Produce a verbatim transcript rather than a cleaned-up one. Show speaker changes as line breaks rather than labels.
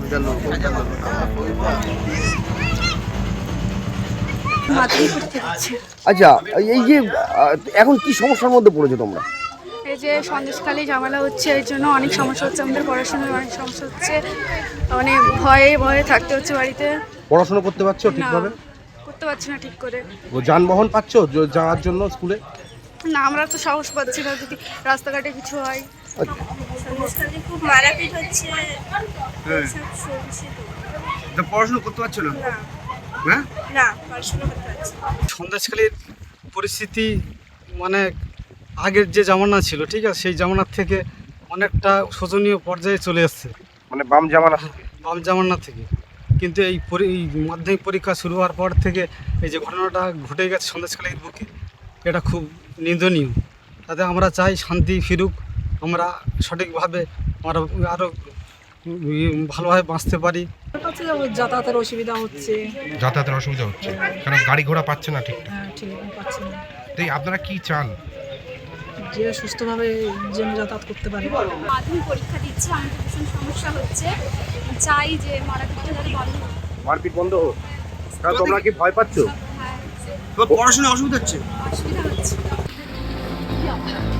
আচ্ছা, এই যে এখন কি সমস্যার মধ্যে পড়েছো তোমরা?
এই যে সন্দেশখালী ঝামেলা হচ্ছে, এর জন্য অনেক সমস্যা হচ্ছে, আমাদের পড়াশোনায় অনেক সমস্যা হচ্ছে, মানে ভয়ে ভয়ে থাকতে হচ্ছে বাড়িতে।
পড়াশোনা করতে পারছো ঠিকভাবে?
করতে পারছি না ঠিক করে।
ও যানবাহন পাচ্ছো যাওয়ার জন্য স্কুলে?
না, আমরা তো সাহস পাচ্ছি না যদি রাস্তাঘাটে কিছু হয়।
সন্দেশখালী খুব মারাপিট হচ্ছে।
হ্যাঁ, তো পড়াশোনা করতে পারছো না? হ্যাঁ,
না পড়াশোনা করতে পারছি।
সন্দেশখালীর পরিস্থিতি মানে আগের যে জামানা ছিল, ঠিক আছে, সেই জামানার থেকে অনেকটা শোচনীয় পর্যায়ে চলে এসছে,
মানে বাম জামানা।
বাম জামানা থেকে। কিন্তু এই পরি এই মাধ্যমিক পরীক্ষা শুরু হওয়ার পর থেকে এই যে ঘটনাটা ঘটে গেছে সন্দেশখালীর বুকে, এটা খুব নিন্দনীয়। তাতে আমরা চাই শান্তি ফিরুক, আমরা সঠিকভাবে আমরা আরও ভালোভাবে বাঁচতে পারি।
যাতায়াতের অসুবিধা হচ্ছে।
যাতায়াতের অসুবিধা হচ্ছে কারণ গাড়ি ঘোড়া পাচ্ছে না ঠিকঠাক।
হ্যাঁ, ঠিক পাচ্ছে না।
তাই আপনারা কি চান?
যে সুস্থভাবে যেন যাতায়াত করতে পারে।
মাধ্যমিক পরীক্ষা দিচ্ছি, আমাদের ভীষণ সমস্যা হচ্ছে, চাই যে মারাপিটটা যাতে বন্ধ হোক।
মারপিট বন্ধ হোক। তাহলে তোমরা কি ভয় পাচ্ছো?
হ্যাঁ,
তো পড়াশোনায় অসুবিধা হচ্ছে?
অসুবিধা হচ্ছে।